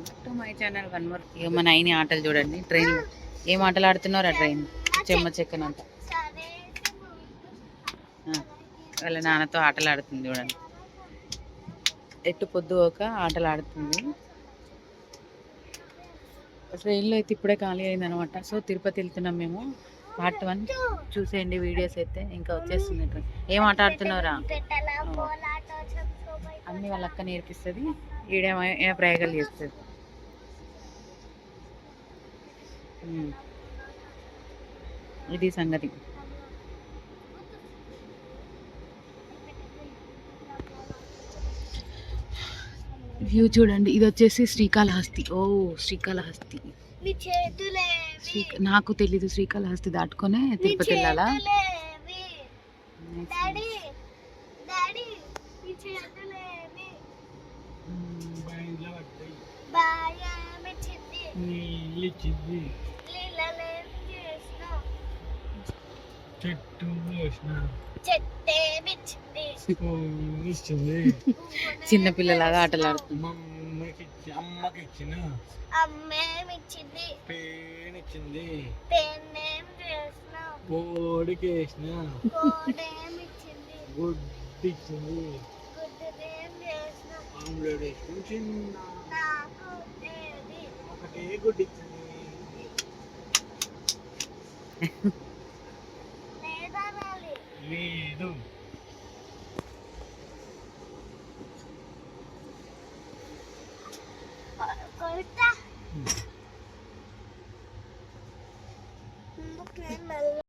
Back to my channel one more. ఇక మన అయిన ఆటలు చూడండి. ట్రైన్ ఏం ఆటలు ఆడుతున్నారా? ట్రైన్ చెమ్మ చెక్కనంట వాళ్ళ నాన్నతో ఆటలు ఆడుతుంది చూడండి. ఎట్టు పొద్దు ఒక ఆటలు ఆడుతుంది. ట్రైన్లో అయితే ఇప్పుడే ఖాళీ అయింది అనమాట. సో తిరుపతి వెళ్తున్నాం మేము. పార్ట్ 1 చూసేయండి వీడియోస్ అయితే. ఇంకా వచ్చేస్తుంది. ఏం ఆట ఆడుతున్నారా? అన్నీ వాళ్ళ అక్క నేర్పిస్తుంది. ఈడేమో ప్రయోగాలు చేస్తుంది. ఇది సంగతి. వ్యూ చూడండి. ఇది వచ్చేసి శ్రీకాళహస్తి. ఓ శ్రీకాళహస్తి నాకు తెలీదు. శ్రీకాళహస్తి దాటుకొనే తిరుపతి వెళ్ళాలా? చిన్నపిల్లలాగా ఆటలు ఆడుతుంది.